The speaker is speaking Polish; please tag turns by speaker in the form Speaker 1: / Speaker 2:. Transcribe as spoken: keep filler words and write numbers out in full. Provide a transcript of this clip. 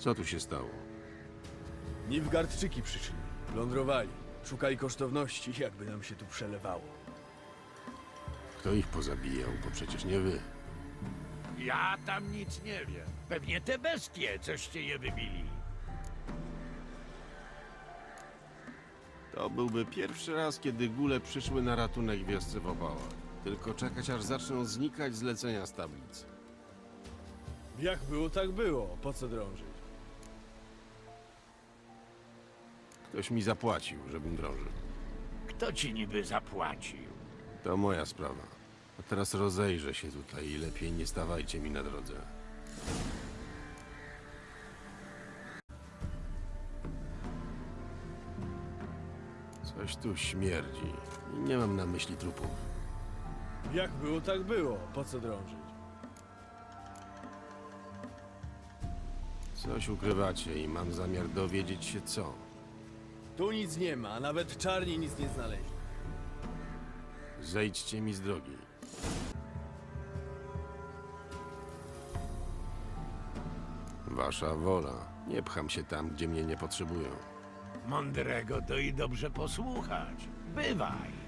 Speaker 1: Co tu się stało?
Speaker 2: Nilfgaardczyki przyszli, plądrowali, szukali kosztowności, jakby nam się tu przelewało.
Speaker 1: Kto ich pozabijał, bo przecież nie wy.
Speaker 3: Ja tam nic nie wiem. Pewnie te bestie, coście je wybili.
Speaker 1: To byłby pierwszy raz, kiedy góle przyszły na ratunek wiosce w opałach. Tylko czekać, aż zaczną znikać zlecenia z tablic.
Speaker 2: Jak było, tak było. Po co drążyć?
Speaker 1: Ktoś mi zapłacił, żebym drążył.
Speaker 3: Kto ci niby zapłacił?
Speaker 1: To moja sprawa. A teraz rozejrzę się tutaj i lepiej nie stawajcie mi na drodze. Coś tu śmierdzi. I nie mam na myśli trupów.
Speaker 2: Jak było, tak było. Po co drążyć?
Speaker 1: Coś ukrywacie i mam zamiar dowiedzieć się co.
Speaker 2: Tu nic nie ma, a nawet czarni nic nie znaleźli.
Speaker 1: Zejdźcie mi z drogi. Wasza wola. Nie pcham się tam, gdzie mnie nie potrzebują.
Speaker 3: Mądrego to i dobrze posłuchać. Bywaj.